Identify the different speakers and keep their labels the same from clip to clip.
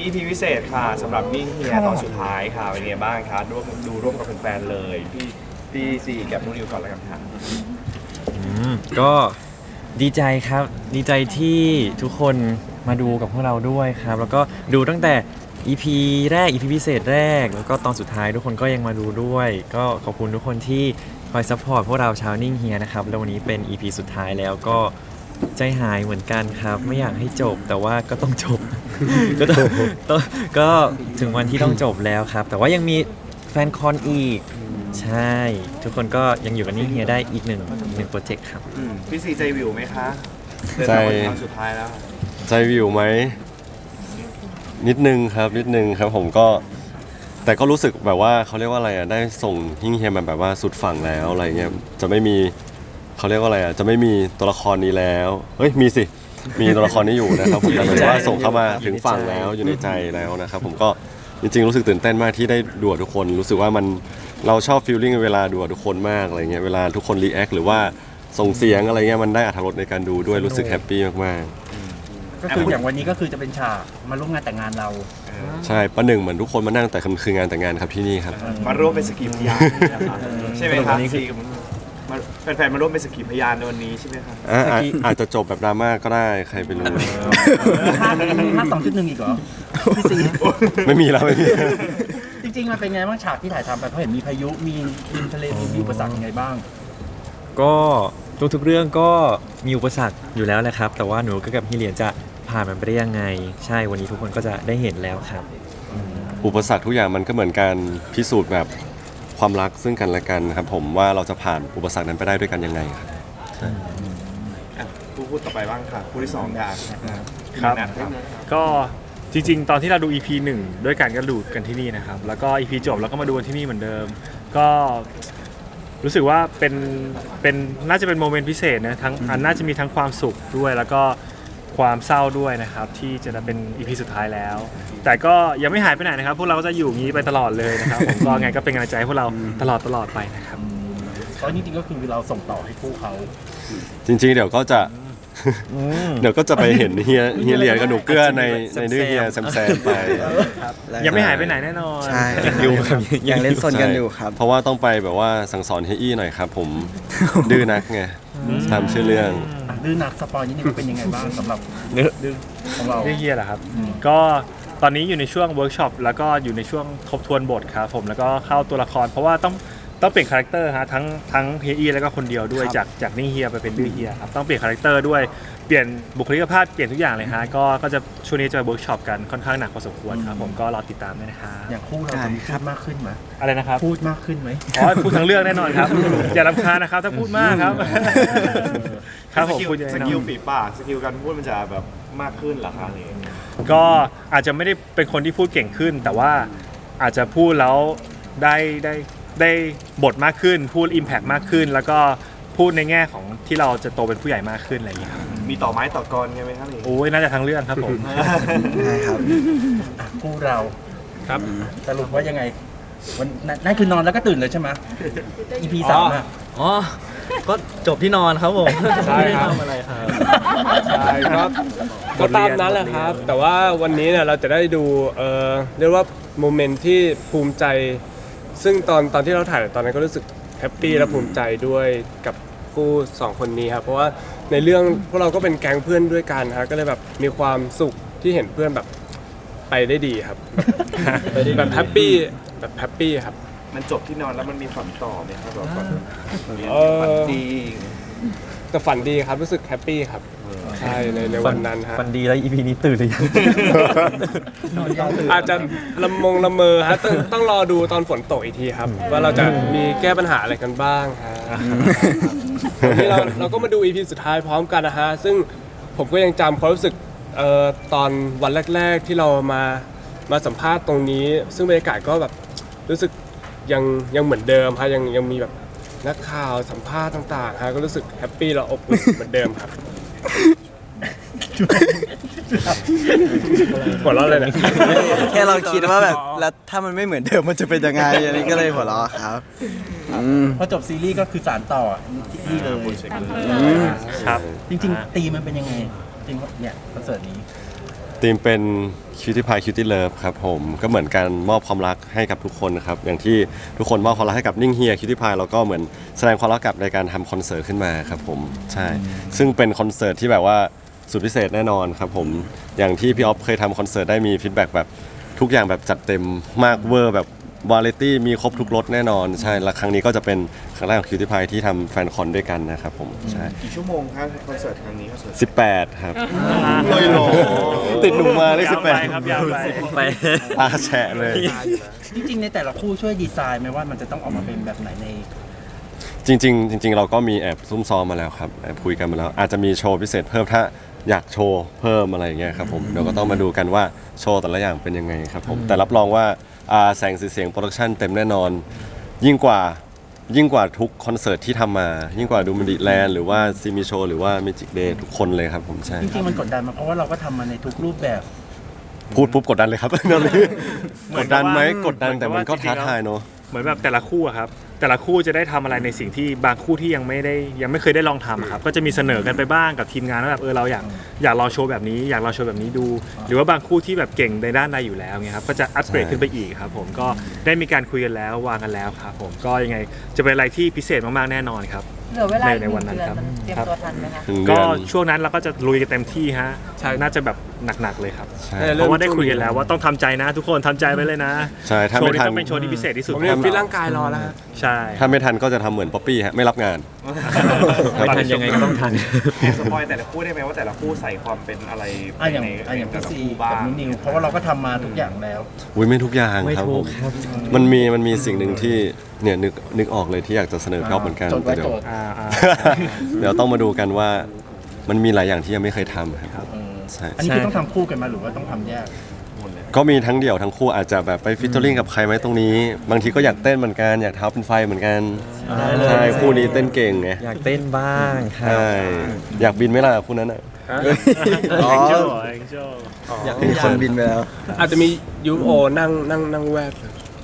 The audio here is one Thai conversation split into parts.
Speaker 1: EP พิเศษค่ะสำหรับนิ่งเฮียตอนสุดท้ายค่ะเป็นไงบ้างคะร่วมกับแฟนๆเลยพี่ซีกับนุ่นนิวก่อนแล้วกันค่ะ
Speaker 2: ก็ดีใจครับดีใจที่ทุกคนมาดูกับพวกเราด้วยครับแล้วก็ดูตั้งแต่ EP แรก EP พิเศษแรกแล้วก็ตอนสุดท้ายทุกคนก็ยังมาดูด้วย ก็ขอบคุณทุกคนที่คอยซัพพอร์ตพวกเราชาวนิ่งเฮียนะครับแล้ววันนี้เป็น EP สุดท้ายแล้วก็ใจหายเหมือนกันครับไม่อยากให้จบแต่ว่าก็ต้องจบ ก็ถึงวันที่ต้องจบแล้วครับแต่ว่ายังมีแฟนคอนอีกใช่ทุกคนก็ยังอยู่กับนิ่งเฮียได้อีกหนึ่งโปรเจกต์ครับ
Speaker 1: พี่ซีใจวิวไหมคะเดิน
Speaker 3: ใจ
Speaker 1: ทางมาถึงตอนสุดท้ายแล้ว
Speaker 3: ใจวิวไหมนิดนึงครับผมก็แต่ก็รู้สึกแบบว่าเขาเรียกว่าอะไรอ่ะได้ส่งฮิ้งเฮียมาแบบว่าสุดฝั่งแล้วอะไรเงี้ยจะไม่มีเขาเรียกว่าอะไรอ่ะจะไม่มีตัวละครนี้แล้วเฮ้ยมีสิมีตัวละครนี้อยู่นะครับผมแต่หมายถึงว่าส่งเข้ามาถึงฝั่งแล้วอยู่ในใจแล้วนะครับผมก็จริงๆรู้สึกตื่นเต้นมากที่ได้ดูกับทุกคนรู้สึกว่ามันเราชอบฟีลลิ่งเวลาดูกับทุกคนมากอะไรเงี้ยเวลาทุกคนรีแอคหรือว่าส่งเสียงอะไรเงี้ยมันได้อรรถรสในการดูด้วยรู้สึกแฮปปี้มากๆ
Speaker 4: ก็คืออย่างวันนี้ก็คือจะเป็นฉากมาร่วมงานแต่งงานเรา
Speaker 3: ใช่ประหนึ่งเหมือนทุกคนมานั่งแต่คืองานแต่งงานครับที่นี่ครับ
Speaker 1: มาร่วมเป็นสกีพยานนะคะใช่ไหมครับซีมาแฟนๆมาร่วมเป็นสกีพยานในวันนี้ใช่ไหมครับ
Speaker 3: อาจจะจบแบบดราม่าก็ได้ใครไปรู้
Speaker 4: ภาค2.1อีกเหรอพี่ซี
Speaker 3: ไม่มีแล้วไม่มี
Speaker 4: จริงๆมันเป็นไงบ้างฉากที่ถ่ายทำไปเพราะเห็นมีพายุมีดินทะเลมีอุปสรรคยังไงบ้าง
Speaker 2: ก็ทุกๆเรื่องก็มีอุปสรรคอยู่แล้วแหละครับ แต่ว่าหนูก็กับพี่เหรียญจะผ่านมันไปได้ยังไง ใช่วันนี้ทุกคนก็จะได้เห็นแล้วครับ
Speaker 3: อุปสรรคทุกอย่างมันก็เหมือนการพิสูจน์แบบความรักซึ่งกันและกันครับผมว่าเราจะผ่านอุปสรรคนั้นไปได้ด้วยกันยังไงครับ
Speaker 1: พูดต่อไปบ้างค่ะผู้ที่สองค่ะ
Speaker 5: ครับ
Speaker 1: นะครับ
Speaker 5: ก็จริงๆ ตอนที่เราดู EP 1 ด้วยกันก็ดูกันที่นี่นะครับ แล้วก็ EP จบแล้วก็มาดูกันที่นี่เหมือนเดิม ก็รู้สึกว่าเป็นน่าจะเป็นโมเมนต์พิเศษนะทั้งอันน่าจะมีทั้งความสุขด้วยแล้วก็ความเศร้าด้วยนะครับที่จะเป็น EP สุดท้ายแล้ว แต่ก็ยังไม่หายไปไหนนะครับ พวกเราก็จะอยู่อย่างนี้ไปตลอดเลยนะครับ ผมก็ไงก็เป็นกำลังใจให้พวกเราตลอดไปนะครับ
Speaker 4: เพราะจริงๆก็คือเราส่งต่อให้คู่เขา
Speaker 3: จริงๆเดี๋ยวก็จะเดี๋ยวก็จะไปเห็นเฮียเหรียญกับหนูเกื้อในดื้อเฮียแซมไป
Speaker 5: ยังไม่หายไปไหนแน่นอน
Speaker 6: ใช่
Speaker 2: อยู่ครับ
Speaker 6: ยังเล่นสนกันอยู่ครับ
Speaker 3: เพราะว่าต้องไปแบบว่าสั่งสอนเฮียอี้หน่อยครับผมดื้อนักไงตามชื่อเรื่อง
Speaker 4: ดื้อนักสปอยนิดนึงเป็นยังไงบ้างสำหรับดื้อของเรา
Speaker 5: เรื่องเฮียเหรอครับ ก็ตอนนี้อยู่ในช่วงเวิร์กช็อปแล้วก็อยู่ในช่วงทบทวนบทครับผมแล้วก็เข้าตัวละคร เพราะว่าต้องเปลี่ยนคาแรคเตอร์ฮะทั้งเฮียอีแล้วก็คนเดียวด้วยจากนิ่งเฮียไปเป็นดื้อเฮียครับต้องเปลี่ยนคาแรคเตอร์ด้วยเปลี่ยนบุคลิกภาพเปลี่ยนทุกอย่างเลยฮะก็จะช่วงนี้จะเวิร์กช็อปกันค่อนข้างหนักพอสมควรครับผมก็รอติดตามด้วยนะฮะ
Speaker 4: อย่างคู่เราจะมีพูดมากขึ้นไหม
Speaker 5: อะไรนะครับ
Speaker 4: พูดมากขึ้นไหม
Speaker 5: อ๋อพูดทั้งเรื่องแน่นอนครับ อย่ารำคาญนะครับถ้าพูดมากครับครับผม
Speaker 1: สกิล
Speaker 5: พูดเยอะ
Speaker 1: ส
Speaker 5: แน่น
Speaker 1: กิล
Speaker 5: อน
Speaker 1: ฝีปากสกิลการพูดมันจะแบบมากขึ้นเหรอคะอะไรอย่างเงี้ย
Speaker 5: ก็อาจจะไม่ได้เป็นคนที่พูดเก่งขึ้น แต่ว่าอาจจะพูดแล้วได้บทมากขึ้น พูด Impact มากขึ้น แล้วก็พูดในแง่ของที่เราจะโตเป็นผู้ใหญ่มากขึ้นอะไรอย่างเงี้ยครับ
Speaker 1: มีต่อไม้ต่อกรไงไหมครับอะไรอย่างเงี้ย
Speaker 5: โอ้ยน่าจะทั้งเรื่องครับผม
Speaker 6: ใช่ครับ
Speaker 4: คู่เรา
Speaker 5: ครับ
Speaker 4: สรุปว่ายังไงวันนั่นคือนอนแล้วก็ตื่นเลยใช่ไหม EP 3อ่ะ
Speaker 6: อ๋อ ก็จบที่นอนครับผม
Speaker 7: ใช่ครับ
Speaker 6: ไม่ได้ทำอะไรครับ
Speaker 7: ใช่ครับก็ตามนั้นแหละครับ แต่ว่าวันนี้เนี่ยเราจะได้ดูเรียกว่าโมเมนต์ที่ภูมิใจ ซึ่งตอนที่เราถ่ายตอนนั้นก็รู้สึกแฮปปี้และภูมิใจด้วยกับคู่สองคนนี้ครับเพราะว่าในเรื่องพวกเราก็เป็นแก๊งเพื่อนด้วยกันครับก็เลยแบบมีความสุขที่เห็นเพื่อนแบบไปได้ดีครับ แบบแฮปปี้ครับ
Speaker 1: มันจบที่นอนแล้วมันมีฝันต่อไหมครับแบบฝัน
Speaker 7: ฝัน
Speaker 1: ดี
Speaker 7: แต่ฝันดีครับรู้สึกแฮปปี้ครับใช่ในวันนั้นฮะ
Speaker 2: ฟันดีแล้ว EP นี้ตื่นหรือยัง
Speaker 7: อาจจะละเมอฮะต้องรอดูตอนฝนตกอีกทีครับ ว่าเราจะมีแก้ปัญหาอะไรกันบ้างฮะวันนี้เราก็มาดู EP สุดท้ายพร้อมกันนะฮะซึ่งผมก็ยังจำความรู้สึกตอนวันแรกๆที่เรามาสัมภาษณ์ตรงนี้ ซึ่งบรรยากาศก็แบบรู้สึกยังเหมือนเดิมฮะยังมีแบบนักข่าวสัมภาษณ์ต่างๆฮะก็รู้สึกแฮปปี้และอบอุ่นเหมือนเดิมครับหัวเราะเลยนะ
Speaker 6: แค่เราคิดว่าแบบแล้วถ้ามันไม่เหมือนเดิมมันจะเป็นยังไงอันนี้ก็เลยหัวเราะครับ
Speaker 4: พอจบซีรีส์ก็คือสารต่อที่นี่เลย
Speaker 5: ครับ
Speaker 4: จริงๆตีมันเป็นยังไงจริงๆเนี่ยคอนเสิร์ตนี้
Speaker 3: ธีมเป็น Cutie Pie Cutie Love ครับผมก็เหมือนการมอบความรักให้กับทุกคนนะครับอย่างที่ทุกคนมอบความรักให้กับนิ่งเฮีย Cutie Pie แล้วก็เหมือนแสดงความรักกับในการทำคอนเสิร์ตขึ้นมาครับผมใช่ซึ่งเป็นคอนเสิร์ตที่แบบว่าสุดพิเศษแน่นอนครับผมอย่างที่พี่ออฟเคยทำคอนเสิร์ตได้มีฟีดแบ็กแบบทุกอย่างแบบจัดเต็มมากเวอร์แบบวาไรตี้มีครบทุกรสแน่นอนใช่และครั้งนี้ก็จะเป็นครั้งแรกของ Cutie Pie ที่ทำแฟนคอนด้วยกันนะครับผมใช่
Speaker 1: กี่ชั่วโมงครับคอนเสิร์ตครั้งนี้คอนเสิร์ต
Speaker 3: 18 ครับลอยโลติดหนุ่มมาได้
Speaker 5: ยาวไปครับยาวไป
Speaker 2: ไป
Speaker 3: 18ตาแฉะเลย
Speaker 4: จริงๆในแต่ละคู่ช่วยดีไซน์ไหมว่ามันจะต้องออกมาเป็นแบบไหนใน
Speaker 3: จริงเราก็มีแอบซุ่มซ้อมมาแล้วครับแอบคุยกันมาแล้ว อาจจะมีโชว์พิเศษเพิ่มถ้าอยากโชว์เพิ่มอะไรอย่างเงี้ยครับผมเดี๋ยวก็ต้องมาดูกันว่าโชว์แต่ละอย่างเป็นยังไงครับผมแต่รับรองว่าแสงสีเสียงโปรดักชันเต็มแน่นอน ยิ่งกว่าทุกคอนเสิร์ตที่ทำมา ยิ่งกว่าดูมันดิแลนด์หรือว่าซีมีโชว์หรือว่าเมจิกเดย์ทุกคนเลยครับผมใช่
Speaker 4: จริงๆมันกดดันมาเพราะว่าเราก็ทำมาในทุกรูปแบบ
Speaker 3: พูดปุ๊บกดดันเลยครับ กดดันไหมกดดันแต่มันก็ท้าทายเนาะ
Speaker 5: เหมือนแบบแต่ละคู่อะครับแต่ละคู่จะได้ทำอะไรในสิ่งที่บางคู่ที่ยังไม่เคยได้ลองทำอะครับก็จะมีเสนอกันไปบ้างกับทีมงานว่าแบบเราอยากลองโชว์แบบนี้อยากลองโชว์แบบนี้ดู หรือว่าบางคู่ที่แบบเก่งในด้านใดอยู่แล้วเงี้ยครับก็จะอัปเกรดขึ้นไปอีกครับผมก็ได้มีการคุยกันแล้ววางกันแล้วครับผมก็ยังไงจะเป็นอะไรที่พิเศษมากๆแน่นอนครับ
Speaker 8: เหลือเวลาอีก
Speaker 5: ใน
Speaker 8: 1
Speaker 5: วันนั้น
Speaker 8: เดือน
Speaker 5: ครับ
Speaker 8: มันเตรียมตัวทันไหมคะ
Speaker 3: ถึงเดื
Speaker 5: ก็
Speaker 3: อน
Speaker 5: ช่วงนั้นเราก็จะลุยกันเต็มที่ฮะน่าจะแบบหนักๆเลยครับ
Speaker 3: ใช่
Speaker 5: เพราะว่าได้คุยกันแล้วว่าต้องทำใจนะ ทุกคนทำใจไว้เลยนะ
Speaker 3: ใช่ถ้า
Speaker 5: โช
Speaker 3: ไม่
Speaker 5: ว์นี้
Speaker 3: ทัน
Speaker 5: ต้องเป็นโชว์ที่พิเศษที่สุด
Speaker 7: ผมเนี่ยฟิตร่างกายรอแล้วฮะ
Speaker 5: ใช่
Speaker 3: ถ้าไม่ทันก็จะทำเหมือนป๊อปปี้ฮะไม่รับงาน
Speaker 2: ไม่ทันยังไงก็ต้องทัน
Speaker 1: แอบสปอยแต่ละคู่ได้ไหมว่าแต่ละคู่ใส่ความเป็นอะไร
Speaker 4: อย่าง
Speaker 1: ใน
Speaker 4: อย่าง
Speaker 1: แต่
Speaker 4: พี่
Speaker 1: ละ
Speaker 4: ซี
Speaker 1: คู่
Speaker 4: กั
Speaker 1: บ้า
Speaker 4: บ
Speaker 1: ง
Speaker 4: นุ้นิวเพราะว่าเราก็ทำมาทุกอย่างแล้ว
Speaker 3: อุ้ยไม่ทุกอย่าง
Speaker 2: ไม่
Speaker 3: ครับ
Speaker 2: ถู
Speaker 3: ผ
Speaker 2: ก
Speaker 3: ม
Speaker 2: ครับ
Speaker 3: มันมีสิ่งหนึ่งที่เนี่ยนึกออกเลยที่อยากจะเสนอพี่อ๊อฟเหมือนกัน
Speaker 4: จดไว้
Speaker 3: แต่เดี๋ยว
Speaker 4: โจทย์
Speaker 3: เดี๋ยวต้องมาดูกันว่ามันมีหลายอย่างที่ยังไม่เคยทำครับใช่
Speaker 4: อันนี้คือต้องทำคู่กันมาหรือว่าต้องทำแยก
Speaker 3: ก็มีทั้งเดี่ยวทั้งคู่อาจจะแบบไปฟิชเชอริงกับใครไหมตรงนี้ บางทีก็อยากเต้นเหมือนกันอยากเท้าเป็นไฟเหมือนกัน
Speaker 2: ได้เลย
Speaker 3: ใช่คู่นี้เต้นเก่งไง
Speaker 2: อยากเต้นบ้างครั
Speaker 3: ใช่
Speaker 2: บ
Speaker 3: อยากบินไหมล่ะคู่นั้นอ่ะ
Speaker 4: อ๋อ
Speaker 5: แองเจิลแองเจิล
Speaker 6: อยากมีคนบินไปแล้ว
Speaker 7: อาจจะมียูโอนั่งแวบ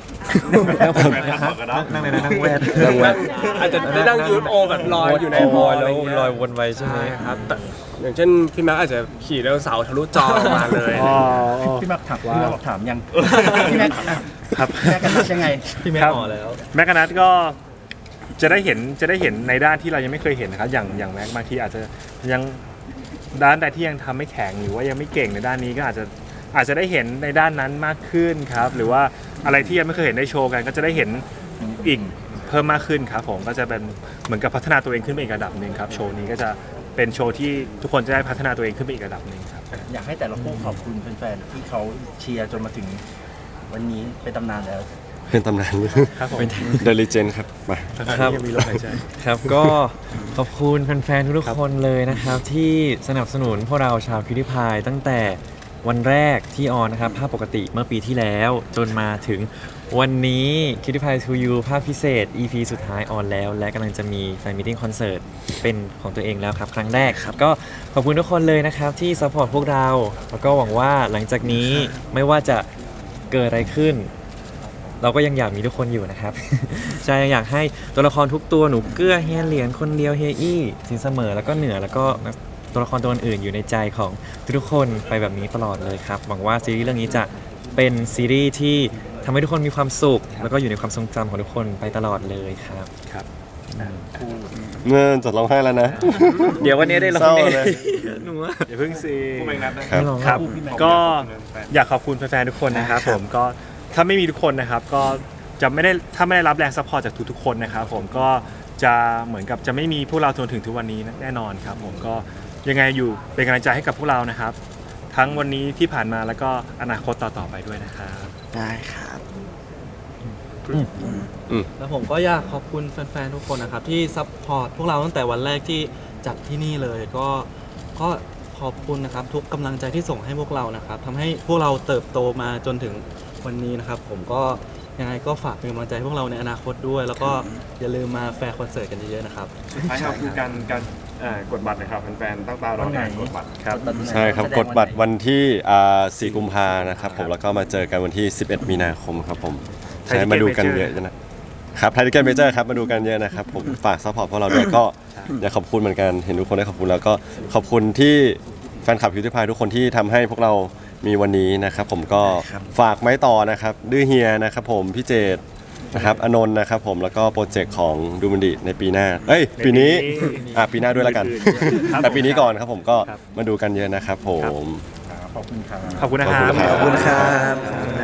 Speaker 2: นั่งในนั่งแวด
Speaker 7: อาจจะได้นั่งยูโอแบบลอยอยู่ในฮอล
Speaker 2: แล้ว
Speaker 7: อะไรเงี้ย
Speaker 2: ลอยวนไปใช่ไหม
Speaker 7: ใช่ครับแต่อย่างเช่นพี่แม็กอาจจะขี่ไดโนเสาร์ทะลุจอออกมาเลย
Speaker 4: พี่แม็กถามพี่แม็กบอกถามยังพี่แม็ก
Speaker 5: ครับ
Speaker 4: แม็กกันนัดยังไง
Speaker 2: พี่แม่
Speaker 5: ครับ
Speaker 2: ต่อแล้ว
Speaker 5: แม็กกานัทก็จะได้เห็นในด้านที่เรายังไม่เคยเห็นนะครับอย่างแม็กบางทีอาจจะยังด้านใดที่ยังทำไม่แข็งหรือว่ายังไม่เก่งในด้านนี้ก็อาจจะได้เห็นในด้านนั้นมากขึ้นครับหรือว่าอะไรที่ยังไม่เคยเห็นได้โชว์กันก็จะได้เห็นอีกเพิ่มมากขึ้นครับผมก็จะเป็นเหมือนกับพัฒนาตัวเองขึ้นไปอีกระดับหนึ่งครับโชว์นี้ก็จะเป็นโชว์ที่ทุกคนจะได้พัฒนาตัวเองขึ้นไปอีกระดับหนึ่งครับ
Speaker 4: อยากให้แต่ละคู่ขอบคุณแฟนๆที่เขาเชียร์จนมาถึงวันนี้เป็นตำนานแล้ว
Speaker 3: เป็นตำนาน
Speaker 5: ครับผม
Speaker 3: เดลิเจนครับมา
Speaker 2: ครับ
Speaker 5: ยังมีลมหายใจ
Speaker 2: ครับก็ขอบคุณแฟนๆทุกๆคนเลยนะครับ ที่สนับสนุนพวกเราชาวพิวดิพายตั้งแต่วันแรกที่ออนนะครับภาพปกติเมื่อปีที่แล้วจนมาถึงวันนี้ Cutie Pie to You ภาพพิเศษ EP สุดท้ายออนแล้ว และกำลังจะมีแฟนมิทติ้งคอนเสิร์ตเป็นของตัวเองแล้วครับ ครั้งแรกครับ ก็ขอบคุณทุกคนเลยนะครับ ที่ซัพพอร์ตพวกเรา แล้วก็หวังว่าหลังจากนี้ไม่ว่าจะเกิดอะไรขึ้น เราก็ยังอยากมีทุกคนอยู่นะครับ ใช่อยากให้ตัวละครทุกตัวหนูเกื้อเฮียเหรียญคนเดียวเฮียอี้สินเสมอแล้วก็เหนือแล้วก็ตัวละครตัวอื่นอยู่ในใจของทุกๆคนไปแบบนี้ตลอดเลยครับหวังว่าซีรีส์เรื่องนี้จะเป็นซีรีส์ที่ทำให้ทุกคนมีความสุข แล้วก็อยู่ในความทรงจำของทุกคนไปตลอดเลยครับ
Speaker 3: เมื่อจดร้องไห้แล้วนะ
Speaker 2: เดี๋ยววันนี้ได้ร้อง
Speaker 3: เศร้า
Speaker 2: เอ
Speaker 3: เลย
Speaker 2: หนูว่า
Speaker 5: อย่าเพิ่งซี
Speaker 1: คู่แมงนัดนะครับ
Speaker 2: ไม่ร้อง
Speaker 5: ครับ
Speaker 4: พี่แม็ก
Speaker 5: ก็อยากขอบคุณแฟนๆทุกคนนะครับผมก็ถ้าไม่มีทุกคนนะครับก็จะไม่ได้ถ้าไม่ได้รับแรงซัพพอร์ตจากทุกๆคนนะครับผมก็จะเหมือนกับจะไม่มีพวกเราจนถึงทุกวันนี้แน่นอนครับผมก็ยังไงอยู่เป็นกำลังใจให้กับพวกเรานะครับ ทั้งวันนี้ที่ผ่านมาแล้วก็อนาคตต่อๆไปด้วยนะครับ
Speaker 6: ได้ครับ
Speaker 9: แล้วผมก็อยากขอบคุณแฟนๆ ทุกคนนะครับ ที่ซัพพอร์ตพวกเราตั้งแต่วันแรกที่จัดที่นี่เลยก็ขอบคุณนะครับ ทุกกำลังใจที่ส่งให้พวกเรานะครับทำให้พวกเราเติบโตมาจนถึงวันนี้นะครับ ผมก็ยังไงก็ฝากเป็นกำลังใจให้พวกเราในอนาคตด้วย แล้วก็อย่าลืมมาแฟร์คอนเสิร์ตกันเยอะๆนะครับ
Speaker 1: สุดท้ายครับคือการกดบัตรนะครับแฟนๆตั้งตารอการกดบัตร
Speaker 5: ครับ
Speaker 3: ใช่ครับกดบัตรวันที่4 กุมภานะครับผมแล้วก็มาเจอกันวันที่ 11 มีนาคมครับผมใช่มาดูกันเยอะนะครับไทยทิเก็ตเมเจอร์ครับมาดูกันเยอะนะครับผมฝากซัพพอร์ตพวกเราด้วยก็อยากขอบคุณเหมือนกันเห็นทุกคนได้ขอบคุณแล้วก็ขอบคุณที่แฟนคลับคิวที่พายทุกคนที่ทำให้พวกเรามีวันนี้นะครับผมก็ฝากไม้ต่อนะครับดื้อเฮียนะครับผมพี่เจตนะครับอนนท์นะครับผมแล้วก็โปรเจกต์ของดูมันดิในปีหน้าปีนี้ปีหน้าด้วยแล้วกัน แต่ปีนี้ก่อนครับผมก็มาดูกันเยอะนะครับผม
Speaker 4: ขอบคุณครับ
Speaker 5: ขอบคุณนะครับ
Speaker 3: ขอบคุณครับ
Speaker 6: ขอบคุณครับ